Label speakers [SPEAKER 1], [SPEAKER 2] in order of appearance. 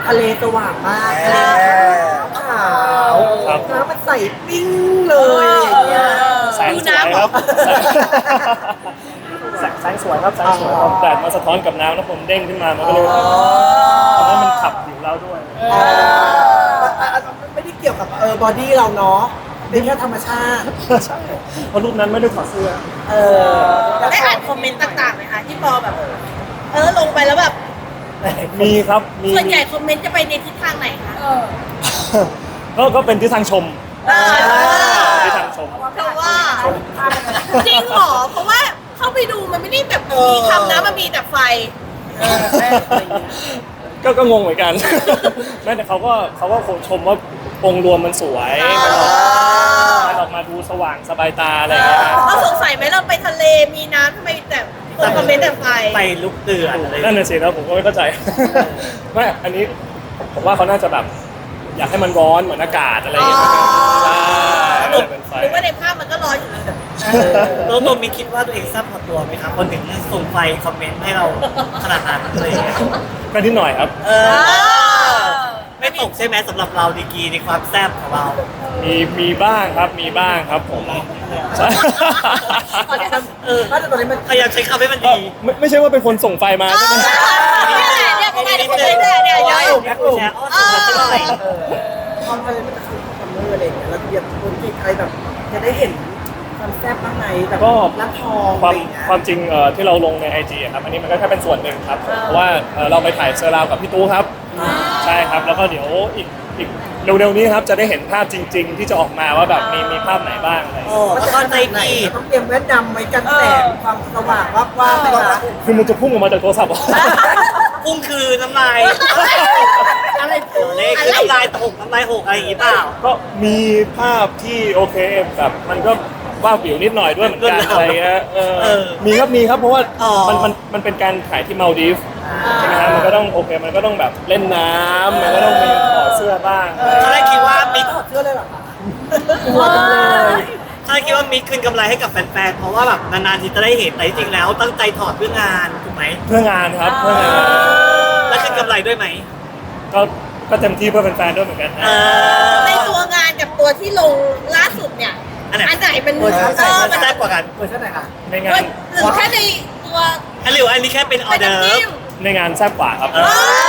[SPEAKER 1] ทะเลสว่างมากทะเลขาวน้ำมันใสปิ้งเลยอย่างเงี้ย
[SPEAKER 2] แสงสวยครับแสงสวยครับแสงสวยครับแดดมาสะท้อนกับน้ำแล้วผมเด้งขึ้นมามันก็เลยทำให้มันขับผิวเราด้วย
[SPEAKER 1] ไม่ได้เกี่ยวกับบอดี้เราเนาะเป็นแค่ธรรมชาติ
[SPEAKER 2] ใช่เพราะรูปนั้นไม่ได้ถอดเสื้อ
[SPEAKER 3] ได้อ่านคอมเมนต์ต่างๆไหมคะที่พอแบบลงไปแล้วแบบ
[SPEAKER 2] มีครับมี
[SPEAKER 3] ส่วนใหญ่คอมเมนต์จะไปในทิศทางไหนคะ
[SPEAKER 2] ก็เป็นที่ทางชมที่ทางชม
[SPEAKER 3] เพราะว่าจริงเหรอเพราะว่าเข้าไปดูมันไม่ได้แบบมีคำนะมันมีแต่ไฟ
[SPEAKER 2] ก็งงเหมือนกันแม้แต่เขาก็คงชมว่าองค์รวมมันสวยมันออกมาดูสว่างสบายตาอะไรอย่างเงี้ย
[SPEAKER 3] เขาสงสัยไหมเราไปทะเลมีน้ำทำไมแต่คนคอมเมนต์แต่ไฟ
[SPEAKER 4] ลุกเดือดอะไร
[SPEAKER 2] นั่นน่ะสิแล้วผมก็ไม่เข้าใจไม่อันนี้ผมว่าเขาน่าจะแบบอยากให้มันร้อนเหมือนอากาศอะไรอย่างเงี้ยใช่เป็นไฟ
[SPEAKER 3] หรือว่าในภาพมันก็ร้อนอยู่
[SPEAKER 4] ตัวมีคิดว่าตัวเองทราบพอตัวไหมครับคนถึงส่งไฟคอมเมนต์ให้เราขนาดนั้นเลย
[SPEAKER 2] ก็นิดหน่อยครับ
[SPEAKER 4] ไม่ตกใช่ไหมสำหรับเราดีกีในความแซ่บของเรา
[SPEAKER 2] มีบ้างครับผมใช่
[SPEAKER 1] ตอนนี้มัน
[SPEAKER 4] พยายามใช้คำให้มันดี
[SPEAKER 2] ไม่ใช่ว่าเป็นคนส่งไฟมาใช่ไหม
[SPEAKER 3] เนี่ยประมาณนี้เนี่ย
[SPEAKER 4] แชร์อ้อนสุดหน่อย
[SPEAKER 1] ความอะไรมันจะคือคอมเมอร์อะไรอย่างเงี้ยแล้วเดี๋ยวคนที่ใครแบบจะได้เห็นความแซ่บบ้างไหมแบบร้านทองอะไรอย่างเงี้ย
[SPEAKER 2] ความจริงที่เราลงใน IG ครับอันนี้มันก็แค่เป็นส่วนหนึ่งครับเพราะว่าเราไปถ่ายเซอร์ราวกับพี่ตู้ครับใช่ครับแล้วก็เดี๋ยวอีกเร็วๆนี้ครับจะได้เห็นภาพจริงๆที่จะออกมาว่าแบบมีภาพไหนบ้างอะไร
[SPEAKER 4] มันจะเข้าใจดี
[SPEAKER 1] ต้องเตรียมแว่นดำไว้กันแสงความสว่างว่าไปนะ
[SPEAKER 2] คือมันจะพุ่งออกมาจากโทรศัพท์
[SPEAKER 4] พุ่งคือน้ำลายอะไรเลขคือน้ำลายหกอะไรอย่างงี้เปล่า
[SPEAKER 2] ก็มีภาพที่โอเคแบบมันก็ว่าผิวนิดหน่อยด้วยเหมือนกันอะไรเงี้ยมีครับเพราะว่ามันเป็นการถ่ายที่มาลดีฟใช่ไหมครับมันก็ต้องโอเคมันก็ต้องแบบเล่นน้ำมันก็ต้องมีถอดเสื้อบ้าง
[SPEAKER 4] เขาได้คิดว่ามิก
[SPEAKER 1] ถอดเสื้อเลยเหรอคะ
[SPEAKER 4] เขาได้คิดว่ามิกคืนกำไรให้กับแฟนๆเพราะว่าแบบนานๆทีจะได้เห็นแต่จริงๆแล้วตั้งใจถอดเพื่องานถูกไหม
[SPEAKER 2] เพื่องานครับเพื่องาน
[SPEAKER 4] แล้วคืนกำไรด้วยไหม
[SPEAKER 2] ก็เต็มที่เพื่อแฟนๆด้วยเหมือนกัน
[SPEAKER 3] ในตัวงานกับตัวที่ลงล่าสุดเนี่ยอันไหนเป็น
[SPEAKER 4] มันแซ่บกว่ากัน
[SPEAKER 1] เวอร์ชันไหนคะ
[SPEAKER 2] ในงาน
[SPEAKER 3] หรือแค่ในตัว
[SPEAKER 4] หรืออันนี้แค่เป็นออเดอร์
[SPEAKER 2] ในงานแซ่บกว่าครับ